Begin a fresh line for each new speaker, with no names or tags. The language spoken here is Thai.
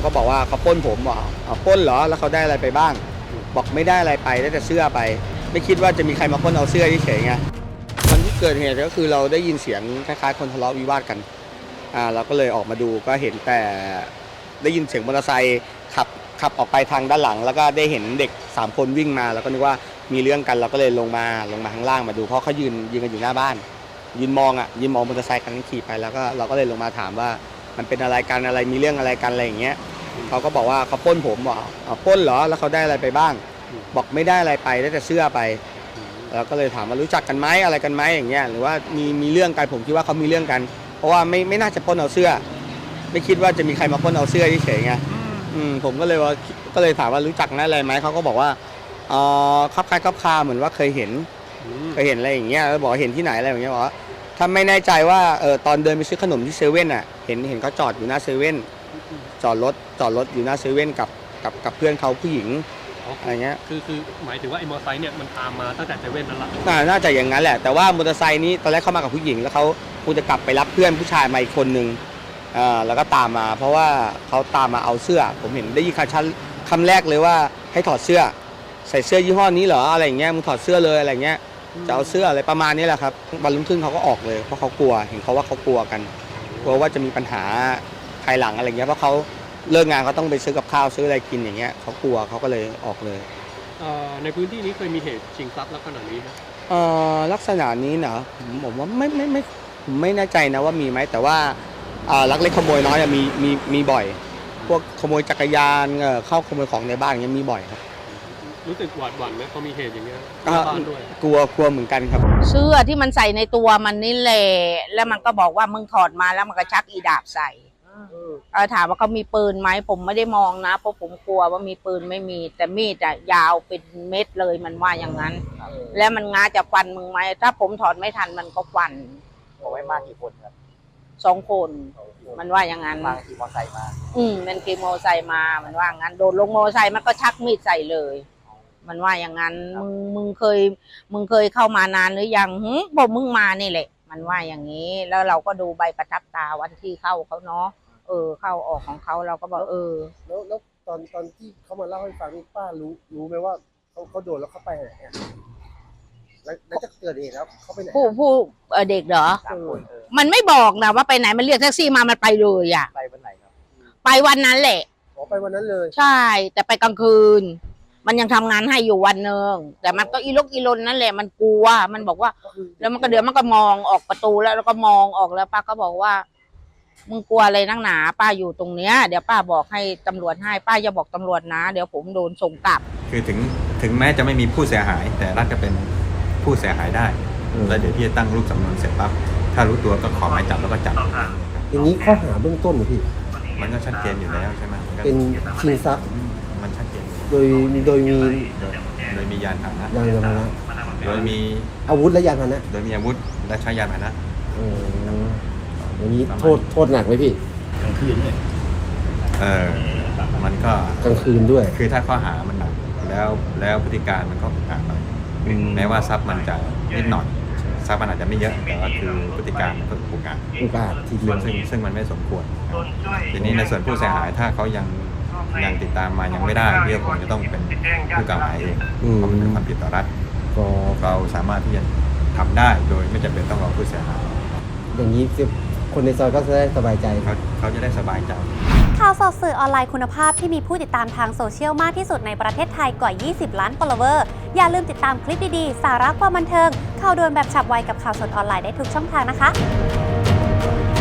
ก็บอกว่าเขาปล้นผมบอกปล้นเหรอแล้วเขาได้อะไรไปบ้างบอกไม่ได้อะไรไปได้แต่เสื้อไปไม่คิดว่าจะมีใครมาปล้นเอาเสื้อเฉยๆไงตอนที่เกิดเหตุก็คือเราได้ยินเสียงคล้ายๆคนทะเลาะวิวาทกันเราก็เลยออกมาดูก็เห็นแต่ได้ยินเสียงมอเตอร์ไซค์ขับออกไปทางด้านหลังแล้วก็ได้เห็นเด็ก3คนวิ่งมาแล้วก็นึกว่ามีเรื่องกันเราก็เลยลงมาข้างล่างมาดูเพราะเขายืนกันอยู่หน้าบ้านยืนมองมอเตอร์ไซค์คันนั้นขี่ไปแล้วก็เราก็เลยลงมาถามว่ามันเป็นอะไรกันอะไรมีเรื่องอะไรกันอะไรอย่างเงี้ยเขาก็บอกว่าเขาปล้นผมบอกปล้นเหรอแล้วเขาได้อะไรไปบ้างบอกไม่ได้อะไรไปได้แต่เสื้อไปเราก็เลยถามว่ารู้จักกันไหมอะไรกันไหมอย่างเงี้ยหรือว่ามีเรื่องกันผมคิดว่าเขามีเรื่องกันเพราะว่าไม่น่าจะปล้นเอาเสื้อไม่คิดว่าจะมีใครมาปล้นเอาเสื้อเฉยๆไงผมก็เลยถามว่ารู้จักนะอะไรไหมเขาก็บอกว่าคับคล้ายคับคาเหมือนว่าเคยเห็นอะไรอย่างเงี้ยแล้วบอกเห็นที่ไหนอะไรอย่างเงี้ยบอกว่าถ้าไม่แน่ใจว่าตอนเดินไปซื้อขนมที่เซเว่นเห็นเขาจอดอยู่หน้าเซเว่นจอดรถอยู่หน้าเซเว่นกับเพื่อนเขาผู้หญิงอะไรเงี้ย
คือหมายถึงว่าไอ้มอเตอร์ไซค์เนี่ยมันตามมาตั้งแต่เซเว่นนั่นแหละ
น่าจะอย่างนั้นแหละแต่ว่ามอเตอร์ไซค์นี้ตอนแรกเข้ามากับผู้หญิงแล้วเขาคงจะกลับไปรับเพื่อนผู้ชายมาอีกคนนึงแล้วก็ตามมาเพราะว่าเขาตามมาเอาเสื้อผมเห็นได้ยินคำแรกเลยว่าให้ถอดเสื้อใส่เสื้อยี่ห้อนี้เหรออะไรอย่างเงี้ยมึงถอดเสื้อเลยอะไรเงี้ยจะเอาเสื้ออะไรประมาณนี้แหละครับวันรุ่งขึ้นเขาก็ออกเลยเพราะเขากลัวเห็นเขาว่าเขากลัวกันกลัวว่าจะมีปัญหาภายหลังอะไรเงี้ยเพราะเขาเลิกงานเขาต้องไปซื้อกับข้าวซื้ออะไรกินอย่างเงี้ยเขากลัวเขาก็เลยออกเลย
ในพื้นที่นี้เคยมีเหตุชิงทรัพย์ลักษณะนี้ไหม
ลักษณะนี้เนาะผมว่าไม่แน่ใจนะว่ามีไหมแต่ว่าลักเล็กขโมยน้อยมีบ่อยพวกขโมยจักรยานเข้าขโมยของในบ้านอย่างเงี้ยมีบ่อยครับ
รู้สึกหวาดหวั่นไหมพอมีเหตุอย่างเงี้ยบ้านด้วย
กลัวเหมือนกันครับ
เสื้อที่มันใส่ในตัวมันนี่แหละแล้วมันก็บอกว่ามึงถอดมาแล้วมันก็ชักอีดาบใส่ถามว่าเขามีปืนไหมผมไม่ได้มองนะเพราะผมกลัวว่ามีปืนไม่มีแต่มีดยาวเป็นเม็ดเลยมันว่าอย่างนั้นแล้วมันง้าจะฟันมึงไหมถ้าผมถอดไม่ทันมันก็ฟัน
เอาไว้มากี่คนครับ
2 คนมันว่าอย่างนั้น
มาขี่มอไซค์มา
มันขี่มอไซค์มามันว่างั้นโดนลงมอไซค์มันก็ชักมีดใส่เลยมันว่าอย่างนั้นมึงเคยเข้ามานานหรือยังบอกมึงมานี่แหละมันว่าอย่างนี้แล้วเราก็ดูใบประทับตาวันที่เข้าเขาเนาะเข้าออกของเขาเราก็บอก
แล้วตอนที่เขามาเล่าให้ฟังนี่ป้ารู้ไหมว่าเขาโดนแล้วเขาไปไหนแล้วจะเกิดเหตุแล้วเขาไปไหน
ผู้เด็กเหรอมันไม่บอกนะว่าไปไหนมันเรียกแท็กซี่มามันไปเลย
ไปวันไหนครับ
ไปวันนั้นแหละ
ไปวันนั้นเลย
ใช่แต่ไปกลางคืนมันยังทำงานให้อยู่วันนึงแต่มันก็อีลนนั่นแหละมันกลัวมันบอกว่าแล้วมันก็เดี๋ยวมันก็มองออกประตูแล้วก็มองออกแล้วป้าก็บอกว่ามึงกลัวอะไรนักหนาป้าอยู่ตรงเนี้ยเดี๋ยวป้าบอกให้ตำรวจให้ป้าอย่าบอกตำรวจนะเดี๋ยวผมโดนส่งกลับ
คือถึงแม้จะไม่มีผู้เสียหายแต่รัฐก็เป็นผู้เสียหายได้แล้วเดี๋ยวพี่จะตั้งรูปสำนวนเสร็จปั๊บถ้ารู้ตัวก็ขอหมายจับแล้วก็จับ
อย่างนี้ข้อหาเบื้องต้นเหรอพี่
มันก็ชัดเจนอยู่แล้วใช่ไหม
เป็นชิงทรัพย์
มันชัดเจน
โดย
มียานพาหนะโดยมี
อาวุธและยานพาหนะ
โดยมีอาวุธและใช้ยานพาหนะ
อย่างนี้โทษหนักไหมพี่
กลางคืนด้วยมันก็
กลางคืนด้วย
คือถ้าข้อหามันหนักแล้วพฤติการมันก็อุกอาจหน่อยแม้ว่าทรัพย์มันจะนิดหน่อยทรัพย์มันอาจจะไม่เยอะแต่ว่าคือพฤติการมันก็อุกอาจ
ทีเดียว
ซึ่งมันไม่สมควรทีนี้ในส่วนผู้เสียหายถ้าเขายังติดตามมายังไม่ได้พี่ก็คงจะต้องเป็นผู้กล่าวหาเองเพราะมันเป็นความผิดต่อรัฐเราสามารถที่จะทำได้โดยไม่จำเป็นต้องรอผู้เสียหาย
อย่างนี้คนในซอยก็จะได้สบายใจ
เขาจะได้สบายใจ
ข่าวสดสื่อออนไลน์คุณภาพที่มีผู้ติดตามทางโซเชียลมากที่สุดในประเทศไทยกว่า20 ล้าน follower อย่าลืมติดตามคลิปดีๆสาระความบันเทิงข่าวด่วนแบบฉับไวกับข่าวสดออนไลน์ได้ทุกช่องทางนะคะ